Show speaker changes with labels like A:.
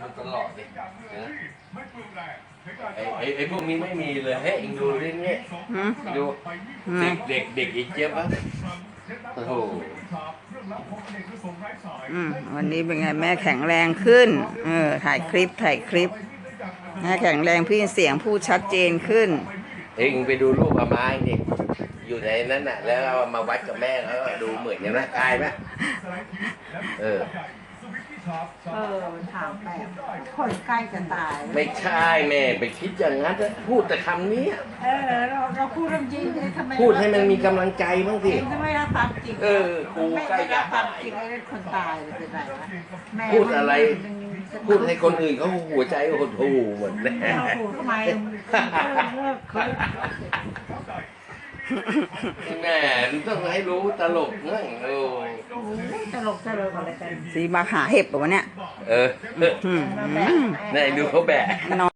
A: ตลอดเลยนะไอ้พวกนี้ไม่มีเลยเฮ้ยเองดูเรื่องนี้ดูเด็กอีเจี๊ยบอ่ะโอ้โห
B: วันนี้เป็นไงแม่แข็งแรงขึ้นถ่ายคลิปแม่แข็งแรงพี่เสียงพูดชัดเจนขึ้น
A: เองไปดูรูปอาไม้ดิอยู่ในนั้นน่ะแล้วเอามาวัดกับแม่แล้วดูเหมือนกันนะกายไหม
B: มันถามแปลกคนใกล้จะตาย
A: ไม่ใช่แม่ไปคิดอย่างนั้นพูดแต่คำนี้
B: เราพูดเรื่องจริงทำไม
A: พูดให้มันมีกำลังใจบ้างสิ
B: ทำไมรับความจริง
A: กูใกล้จะ
B: ความจริงไอ้คนตายเลยเป็นไรวะ
A: พูดอะไรพูดให้คนอื่นเขาหัวใจหดหู่หมดเลย
B: ทำไม
A: แม่ต้องให้รู้ตลกนั่ง
B: ตลกอะไรกันสีมาหาเห็บแบบวะเนี่ย
A: นี่ดูเขาแบก